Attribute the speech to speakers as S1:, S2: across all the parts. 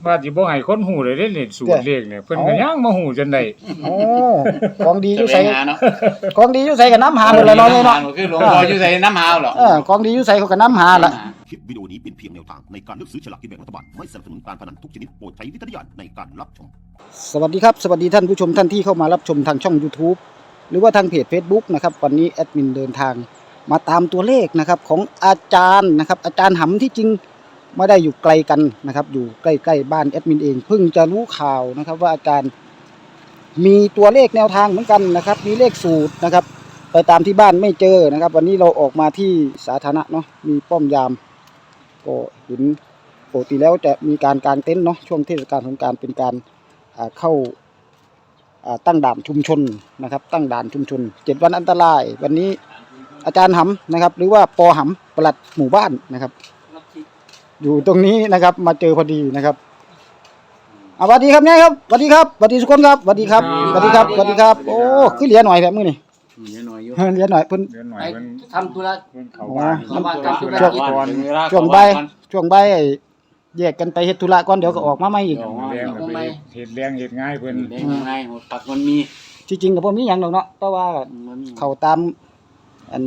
S1: ว่าสิบ่ให้คนฮู้เลยเด้นี่สูตรเลขเนี่ยเพิ่นก็ยังมาฮู้จนได้
S2: โอ้ของดีอยู่ไส
S3: เนาะ
S2: ของดีอยู่ไสก็นำหาหมดแล้วเนาะเนาะ
S3: คือหลวงพ่ออยู่ไสน้ำหาเหรอ
S2: ของดีอยู่ไสเขาก็นำหาล่ะ
S4: คลิปวิดีโอนี้เป็นเพียงแนวทางในการเลือกซื้อฉลากกินแบ่งรัฐบาลไม่สนับสนุนการพนันทุกชนิดโปรดใช้วิจารณญาณในการรับชม
S2: สวัสดีครับสวัสดีท่านผู้ชมท่านที่เข้ามารับชมทางช่อง YouTube หรือว่าทางเพจ Facebook นะครับวันนี้แอดมินเดินทางมาตามตัวเลขนะครับของอาจารย์นะครับอาจารย์หำที่จริงไม่ได้อยู่ไกลกันนะครับอยู่ใกล้ๆบ้านแอดมินเองเพิ่งจะรู้ข่าวนะครับว่าอาจารย์มีตัวเลขแนวทางเหมือนกันนะครับมีเลขสูตรนะครับไปตามที่บ้านไม่เจอนะครับวันนี้เราออกมาที่สาธารณะเนาะมีป้อมยามก็เห็นปกติแล้วจะมีการกางเต็นท์เนาะช่วงเทศกาลสงกรานต์เป็นการเข้าตั้งด่านชุมชนนะครับตั้งด่านชุมชน7วันอันตรายวันนี้อาจารย์หำนะครับหรือว่าปอหำปลัดหมู่บ้านนะครับอยู่ตรงนี้นะครับมาเจอพอดีนะครับสวัสดีครับเนี่ยครับสวัสดีครับสวัสดีทุกคนครับสวัสดีครับสวัสดีครับสวัสดีครับโอ้คือเหลียหน่อยแบบมื้อนี่
S3: เหลือหน่อยอยู่
S2: เหลียหน่อยเพิ่น
S3: ทำธุระ
S1: เพิ่นเข้าบ้าน
S2: ช่วงใบแยกกันไปเฮ็ดธุระก่อนเดี๋ยวก็ออกมาใหม่อีก
S1: เฮ็ดแรงเฮ็ดง่ายเพิ่น
S3: ง่ายปักมันมี
S2: ที่จริงก็บ่มีหยังดอกเนาะแต่ว่าเข้าตามอัน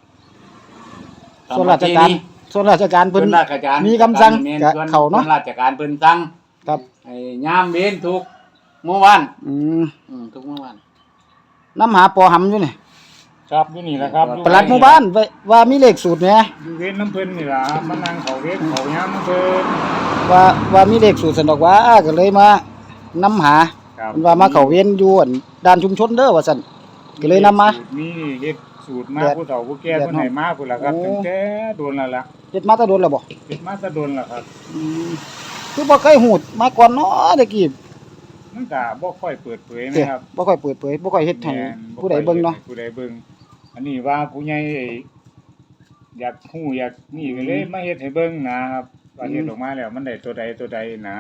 S2: ส่วนราชการเพิ่นมีคำสั่งก็เข้าเนาะ
S3: ราชการเพิ่นสั่ง
S2: ครับ
S3: ไอ้ยามเว้นทุกเมื่อวานทุกเมื่อวาน
S2: นำหาปอหำอยู่นี่
S1: ครับอยู่นี่แหละครับ
S2: ปลัดหมู่บ้านว่ามีเลขสูตรแหม
S1: อยู่เว้นน้ำเพิ่นนี่ล่ะมานั่งเข้าเว้นเข้ายามน้ำเพิ่น
S2: ว่ามีเลขสูตรซั่นดอกว่าก็เลยมานำหาเพิ่นว่ามาเข้าเว้นอยู่อันด่านชุมชนเด้อว่าซั่นก็เลยนำมา
S1: มีเฮ็ดสูตรมาผู้เฒ่าผู้แก่เพิ่นให้มาพุ่นล่ะครับตั้งแต่โดนแล้วล่ะ
S2: เฮ็ดมาแต่โดนแล้วบ่
S1: เฮ็ดมาแต่โดนแล้วครับ
S2: คือบ่เคยฮู้มาก่อนเนาะตะกี้
S1: มันก็บ่ค่อยเปิดเผยนะครับ
S2: บ่ค่อยเปิดเผยบ่ค่อยเฮ็ดให้ผู้ใดเบิ่งเนาะ
S1: ผู้ใดเบิ่งอันนี้ว่าผู้ใหญ่อยากฮู้อยากนี่ก็เลยมาเฮ็ดให้เบิ่งนะครับว่าเฮ็ดออกมาแล้วมันได้ตัวใดนะ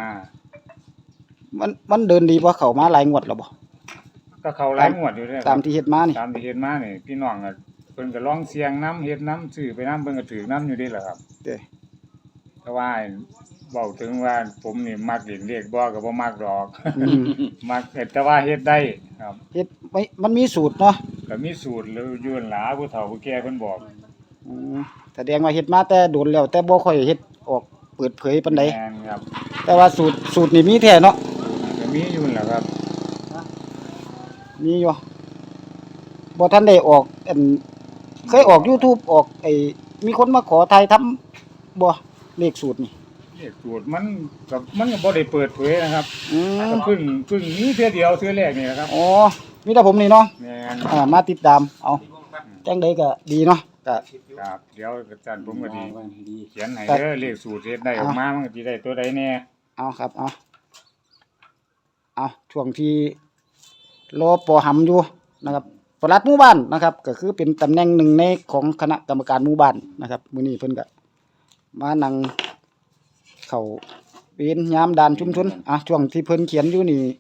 S2: มันเดินดีบ่เข้ามาหลายงวดแล้วบ่
S1: ก็เข้าหลายงวดอยู่เด้อ
S2: ตามที่เฮ็ดมานี่
S1: ตามที่เฮ็ดมานี่พี่น้องก็เพิ่นก็ลองเสี่ยงนำเฮ็ดนำซื้อไปนำเพิ่นก็ถือนํอยู่เด้ล่ะครับแต่ว่าเว้าถึงว่าผมนี่มักเล่นเลขบ่ก็บ่มักดอกมักแต่ว่าเฮ็ดได้ครับ
S2: เฮ็ดมันมีสูตรเนาะ
S1: ก็มีสูตรแล้วอยู่นั่นล่ะผู้เฒ่าผู้แก่เพิ่นบอก
S2: แสดงว่าเฮ็ดมาแต่โดนแล้วแต่บ่ค่อยเฮ็ดออกเปิดเผยปานใด
S1: แม่นครับ
S2: แต่ว่าสูตรนี่มีแท้เนาะ
S1: ก็มีอยู่นั่นล่ะครับ
S2: มีอยู่บ่ทันได้ออกอันเคยออก YouTube ออกมีคนมาขอถ่ายทำบ่เลขสูตรนี่
S1: เลขสูตรมันก็บ่ได้เปิดเผยนะครับก็เพิ่งมีเทื่อเดียวเทื่อแรกนี่แหละครับ
S2: อ๋อมีแต่ผมนี่เนาะ
S1: แม่น
S2: มาติดตามเอาจังได๋ก็ดีเนาะก็
S1: ครับเดี๋ยวอาจารย์ผมก็ดีเขียนให้เด้อเลขสูตรเฮ็ดได้ออกมามันก็สิได้ตัวใดแน่
S2: เอาครับเอาช่วงที่รอปอหำอยู่นะครับปลัดหมู่บ้านนะครับก็คือเป็นตำแหน่งหนึ่งในของคณะกรรมการหมู่บ้านนะครับมื้อนี้เพิ่นก็มานั่งเข้าเวรยามด่านชุมชนช่วงที่เพิ่นเขียนอยู่นี่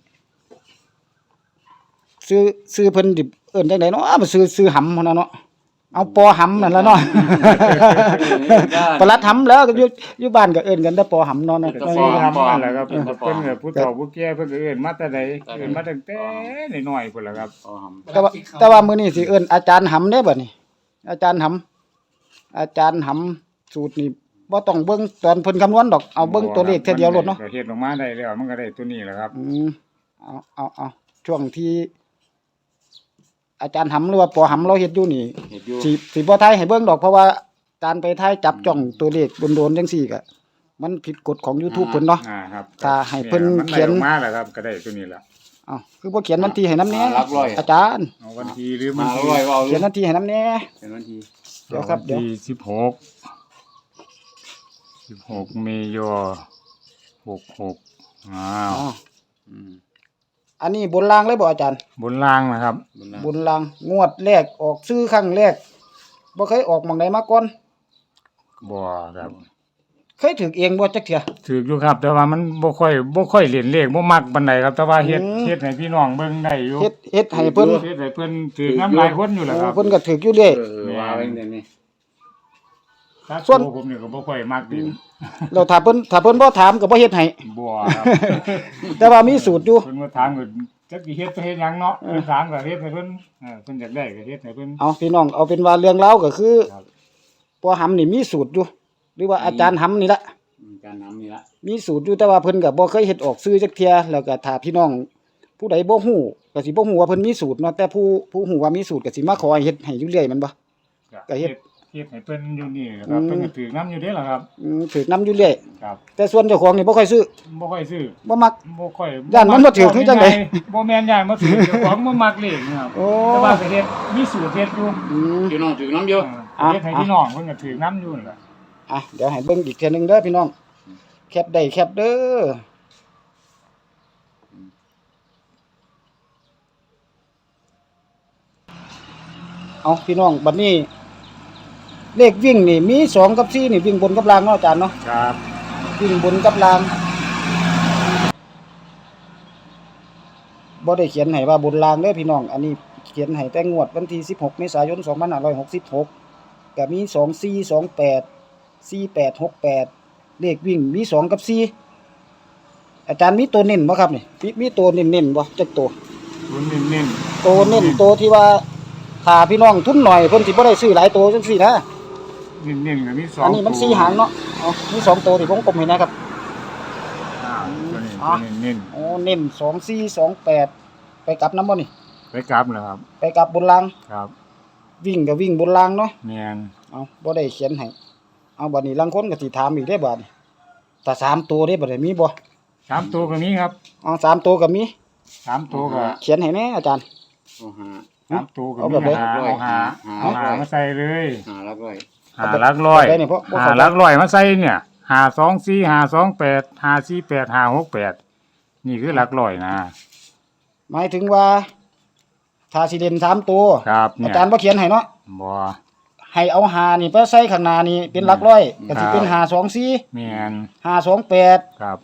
S2: ซื้อเพิ่นดิเอิ้นจังได๋เนาะบ่ซื้อหำพุ่นน่ะเนาะเอาปอหำนั่นล่ะเนาะปลัดหำแล้วก็อยู่บ้านก็เอิ้นกันแต่ปอหำเนาะ
S1: ปอหำนั่นแหละครับเพิ่นก็ผู้เฒ่าผู้แก่เพิ่นก็เอิ้นมาแต่ใดเอิ้นมาตั้งแต่น้อยๆพุ่นล่ะครับ
S2: แต่ว่ามื้อนี้สิเอิ้นอาจารย์หำเด้บัดนี้อาจารย์หำสูตรนี่บ่ต้องเบิ่งตอนเพิ่นคำนวณดอกเอาเบิ่งตัวเลขแค่เดียวโลดเนาะ
S1: เฮ็ดออกมาได้แล้วมันก็ได้ตัวนี้แหละครับ
S2: เอาช่วงที่อาจารย์หำหรือว่าปอหำเราเฮ็ดอยู่นี่สิบ่ทายให้เบิ่งดอกเพราะว่าการไปทายจับจ้องตัวเลขโดนๆจังซี่ก็มันผิดกฎของ YouTube เพิ่นเนาะถ้าให้เพิ่นเขียน
S1: มาแล้วครับก็ได้ตัวนี้ล่ะ
S2: คือบ่เขียนวันที่ให้นำแน่อาจารย์
S1: วันที่หรือมัน
S2: เขียนวันที่ให้นำแน่
S3: เขียนวันที่
S2: เดี๋ยวครับเดี๋ยว
S1: 16เมษายน66
S2: อันนี้บนรางเลยบ่อาจารย์
S1: บนรางนะครับ
S2: บนรางงวดแรกออกซื้อครั้งแรกบ่เคยออกหม่องใดมาก่อน
S1: บ่ครับ
S2: เคยถูกเองบ่จักเทื่อ
S1: ถูกอยู่ครับแต่ว่ามันบ่ค่อยเล่นเลขบ่มักปานใดครับแต่ว่าเฮ็ดให้พี่น้องเบิ่งได้อยู่
S2: เฮ็ดให้เพิ่น
S1: ถูกนำหลายคนอยู่แหละครับ
S2: เพิ่นก็ถูกอยู่เด้
S3: ว่าจังได๋นี่
S1: ถ้า
S2: ส่วน
S1: ตัวผมนี่ก็บ่ค่อยมักดิน
S2: เราถ้าเพิ่นบ่ถามก็บ่เฮ็ดให้
S1: บ่ครับ
S2: แต่ว่ามีสูตรอยู่
S1: เพิ่นมาถามก็จักสิเฮ็ดไปเฮ็ดหยังเนาะเพิ่นถามก็เฮ็ดให้เพิ่นเพิ่นอยากได้ก็เฮ็ดให้เพิ่น
S2: เอาพี่น้องเอาเป็นว่าเรื่องราวก็คือ
S1: ครับ
S2: ปอหำนี่มีสูตรอยู่ หรือว่าอาจารย์หำนี่ละ
S3: การนำนี่ละ
S2: มีสูตรอยู่แต่ว่าเพิ่นก็บ่เคยเฮ็ดออกสื่อจักเที่ยแล้วก็ถ้าพี่น้องผู้ใดบ่ฮู้ก็สิบ่ฮู้ว่าเพิ่นมีสูตรเนาะแต่ผู้ฮู้ว่ามีสูตรก็สิมาขอให้เฮ็ดให้อยู่เรื่อยแมันบ่ ก็เฮ็ด
S1: เฮ็ดให้เพิ่นอยู่นี่ครับเพิ่นก็ถือน้ำอยู่เด้ล่ะครับ
S2: ถูกนำอยู่เรื่อย
S1: ครับ
S2: แต่ส่วนเจ้าของนี่บ่ค่อยซื้อ
S1: บ่ค่อยซื้อ
S2: บ่มัก
S1: บ่ค่อย
S2: ย่านมันบ่ถือคือจังได๋
S1: บ่แม่นย่านบ่ถือเจ้าของบ่มักเลขนะครับ
S2: โอ้
S1: แต่ว่าก็เฮ็ดมีสูตรเฮ็ดอยู่
S3: พี่น้องถือน้ำเยอะ
S1: เฮ็ดให้พี่น้องเพิ่นก็ถือน้ำอยู่นั่นล่ะ
S2: อ่ะเดี๋ยวให้เบิ่งอีกเทื่อนึงเด้อพี่น้องแคปได้แคปเด้อเอาพี่น้องบัดนี้ เลขวิ่งนี่มี2กับ4นี่วิ่งบนกับล่างเนาะอาจารย์เนาะ
S1: ครับ
S2: วิ่งบนกับล่างบ่ได้เขียนให้ว่าบนล่างเด้อพี่น้อง อันนี้เขียนให้แต่งวดวันที่16เมษายน2566ก็มี2428 4868เลขวิ่งมี2กับ4อาจารย์มีตัวเน้นบ่ครับนี่มีตัวเน้นๆบ่จักตัว
S1: รุ่นเน้น
S2: ตัวเน้นตัวที่ว่าถ้าพี่น้องทุนหน่อยเพิ่นสิบ่ได้ซื้อหลายตัวจังซี่นะ
S1: ๆเน้นๆก็มี2
S2: อันนี้มัน4หางเนาะเอามี2ตัวที่วงกลมให้นะครับ
S1: ตัวนี้
S2: อ๋อ
S1: เน้น
S2: โอ้เน้น2428ไปกลับนำบ่นี่
S1: ๆไปกลับนะครับ
S2: ไปกลับบนล่าง
S1: ครับ
S2: วิ่งก็วิ่งบนล่างเนาะ
S1: แม่น
S2: เอาบ่ได้เขียนให้เอาบัดนี้ลางคนก็สิถามอีกได้บัดนี้ถ้า3ตัวได้บัดนี้มีบ่
S1: 3ตัวก็มีครับ
S2: เอา3ตัวก็มี
S1: 3ตัวก็
S2: เขียนให้แน่อาจารย์
S3: โอ้หา
S1: 3ตัวก็
S2: เอา
S1: มี
S2: แบบไหน
S1: เอาหามาใส่เลย
S3: หาแล้วก็
S1: หาหลักร้อย
S2: ได้นี่เพราะ
S1: หาหลักร้อยมาใส่เนี่ย524 528 548 568นี่คือหลักร้อยนะ
S2: หมายถึงว่าถ้าสิเล่น3ตัว
S1: ครับ
S2: อา
S1: เนี่ย
S2: จารย์บ่เขียนให้เนาะ
S1: บ่
S2: ให้เอา5นี่ไปใส่ข้างหน้านี่เป็นหลักร้อยก็สิเป็น524
S1: แม่น
S2: 528
S1: ครับ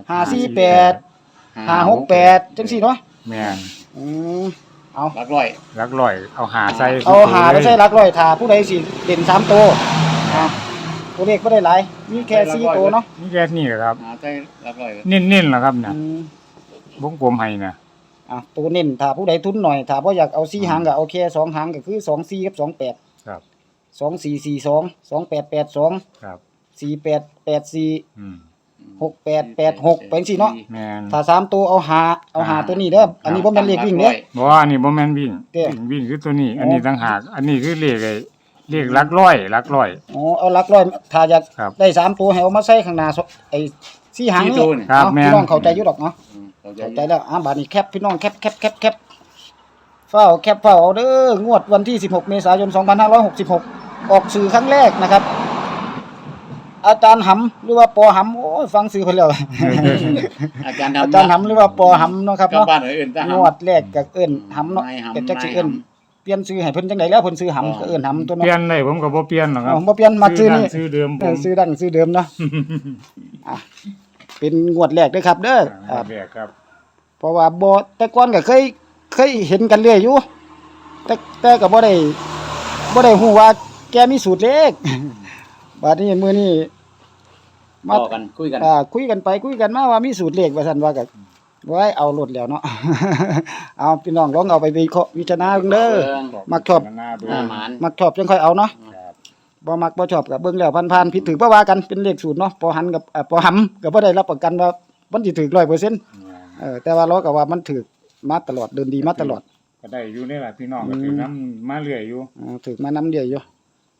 S2: 548 568จังซี่เนาะ
S1: แม่น
S2: อืมเอา
S3: รักร้อย
S1: หลักร้อยเอาหาใส่
S2: เอาหาไปใส่หลักร้อยถ้าผู้ใดสิเล่น3ตัวอ่ะตัวเลขบ่ได้หลายมีแค่4ตัวเนาะ
S1: นี่แค่นี้ครับ
S3: หาใจรักร้อย
S1: เน้นๆล่ะครับเนี่ย
S2: อืม
S1: วงกลมให้นะ
S2: ตัวเน้นถ้าผู้ใดทุนหน่อยถ้าบ่อยากเอา4หางก็เอาแค่2หางก็คือ24กับ28
S1: ครับ
S2: 2442 2882
S1: ครับ
S2: 4884
S1: อืม
S2: 6886ไปจังซี่เนาะ
S1: แม่น
S2: ถ้า3ตัวเอาหาตัวนี้เด้ออันนี้บ่แม่นเลขวิ่งเด้อ
S1: บ่อันนี้บ่แม่นวิ่ง
S2: เด้
S1: วิ่งคือตัวนี้ อันนี้ต่างหากอันนี้คือเลขเลขหลักร้อยหลักร้อย
S2: อ๋อเอาหลักร้อยถ้าอยาก
S1: ครับ
S2: ได้3ตัวให้เอามาใส่ข้างหน้าไอ้4หางนี่
S1: ครับ
S2: เอา
S1: แม่น
S2: พี่น้องเข้าใจอยู่ดอกเนาะ
S3: เข้าใจ
S2: เข้าใจแล้วบัดนี้แคปพี่น้องแคปเฝ้าเอาเด้องวดวันที่16เมษายน2566ออกสื่อครั้งแรกนะครับ อาจารย์หำหรือว่าปอหำโอ้ยฟังชื่อเพิ่นแล้ว
S3: อาจารย์
S2: อาจารย์หำหรือว่าปอหำเนาะครับ
S3: กับ
S2: เนาะ
S3: บ้านอื่นจ้าง
S2: วดแรกก็เอิ้นหำเนาะ
S3: นายหำ
S2: ก็จักสิเอิ้น
S3: นายหำ
S2: เปลี่ยนชื่อให้เพิ่นจังไดแล้วเพิ่นชื่อหำก็เอิ้นหำตัว
S1: เป
S2: เนาะ
S1: ลี่ยนได้ผมก็บ่เปลี่ยนหรอกครับ
S2: อ๋อบ่เปลี่ยนมาชื่อนี้
S1: ชื่อเดิมผ
S2: ชื่อดังชื่อเดิมเนาะอ่ะเป็นงวดแรกเด้อครับ เด้ออ่า
S1: แรกครับ
S2: เพราะว่าบ่แต่ก่อนก็เคยเห็นกันเรื่อยอยู่แต่ก็บ่ได้ฮู้ว่าแกมีสูตรเลข บัดนี้มื้อนี้มา
S3: ต่อกันคุยกัน
S2: คุยกันไปคุยกันมาว่ามีสูตรเลขว่าซั่นว่าก็ไว้เอาโลดแล้วเนาะ เอาพี่น้องลองเอาไปวิเคราะห์วิจารณาเบิ่งเด้อ มักชอบ
S1: หน้าเบิ่ง
S3: หน้าหมาน
S2: มักชอบจังค่อยเอาเนาะ
S1: ครับ
S2: บ่มักบ่ชอบก็เบิ่งแล้วผ่านๆผิดถูกบ่ว่ากันเป็นเลขสูตรเนาะปอหันกับปอหำก็บ่ได้รับประกันว่ามันสิถูก 100%แต่ว่าเราก็ว่ามันถูกมาตลอดเดินดีมาตลอด
S1: ก็ได้อยู่นี่แหละพี่น้องก็ถือน้ำมาเรื่อยอยู่
S2: ถูกมานำเดียวอยู่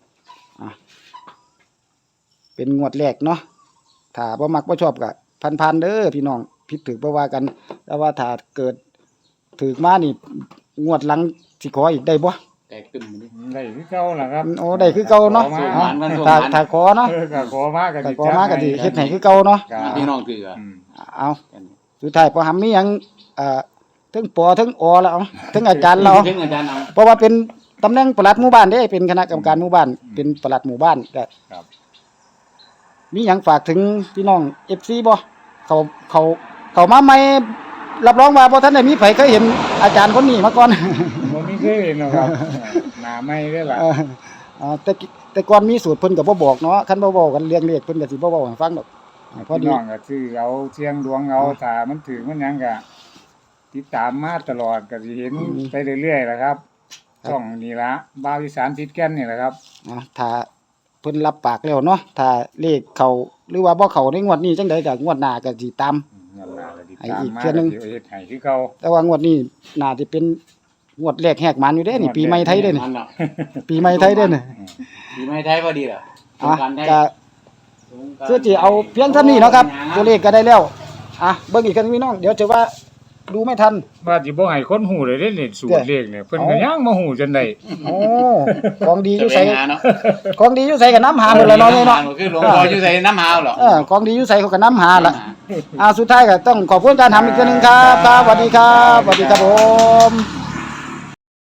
S2: เป็นงวดแรกเนาะถ้าบ่มักบ่ชอบก็ผ่านๆเด้อพี่น้องผิดถูกบ่ว่ากัน แต่ว่าถ้าเกิดถูกมานี่งวดหลังสิขออีกได้บ่
S3: แตกตึมนี่
S1: ได้คือเก่าล่ะครับ
S2: โอ้ได้คือเก่าเนาะ
S1: ขอมา
S2: ถ้าขอเนาะ
S1: ก็ขอมาก็
S2: ถ้าขอมาก็สิเฮ็ดให้คือเก่าเนาะ
S1: ครับ
S3: พี่น้องถือ
S1: อืม
S2: เอาสุดท้ายพอหำมีหยังถึงปอถึงอแล้วเอาถึงอาจารย์เรา
S3: ถึงอาจารย์เอา
S2: เพราะว่าเป็นตำแหน่งปลัดหมู่บ้านเด้เป็นคณะกรรมการหมู่บ้านเป็นปลัดหมู่บ้านก็
S1: ครับ
S2: มีหยังฝากถึงพี่น้อง FC บ่เขามาใหม่รับรองว่าบ่ทันได้มีไผเคยเห็นอาจารย์คนนี้มาก่อน
S1: บ่มีเคยเห็นหรอกครับหน้าไม่ได้ล่ะ
S2: แต่แต่ก่อนมีสูตรเพิ่นก็บ่บอกเนาะคันบ่เว้ากันเรื่องเลขเพิ่นก็สิบ่เว้าให้ฟังดอกพอ
S1: พี่
S2: ดี
S1: น้องก็ซื้อเอาเสียงดวงเอาถ้ามันถึงมันหยังก็ติดตามมาตลอดก็สิเห็นไปเรื่อยๆแหละครับช่องนี้ละบ่าวอีสานติดแก่นนี่แหละครับ
S2: ถ้าเพิ่นรับปากแล้วเนาะถ้าเลขเข้าหรือว่าบ่เข้าในงวดนี้จังไดก็งวดหน้าก็สิตาม
S1: เงินหน้าก็ติด
S2: ให้
S1: ตาม
S2: อีก
S1: มา
S2: เทื่อนึง
S1: เดี๋ยวเฮ็ดให้คือเก่า
S2: แต่ว่างวดนี้น่าสิเป็นงวดแรกแหกมันอยู่เด้นี่ปีใหม่ไทยเด้นี่
S3: มันเนาะ
S2: ปีใหม่ไทยเด้นี่
S3: ปีใหม่ไทยพอดีเหรอสง
S2: อ่ะ
S3: กรานต์ไทย
S2: ก็
S3: สงกรานต์
S2: คือสิเอาเพียงเท่านี้เนาะครับ ตัวเลขก็ได้แล้วเบิ่งอีกครั้งพี่น้องเดี๋ยวจะว่าดูไม่ทัน
S1: ว่าสิบ่ให้คนฮู้เลยเด้นี่สูตรเลขเนี่ยเพิ่นก็ยังมาฮู้จนได้
S2: โอ้ของดีอ
S3: จะ
S2: ยู่
S3: ไป
S2: ใส่
S3: หาเนาะ
S2: ของดีอยู่ใส่กับน้ำหาหมดเลยเนาะนี่เนาะ
S3: คือหลวงพ่ออยู่ใส่น้ำหาวเหรอ
S2: ของดีอยู่ใส่เขากับน้ำหาละสุดท้ายก็ต้องขอบคุณอาจารย์ทำอีกทีนึงครับครับสวัสดีครับสวัสดีครับผม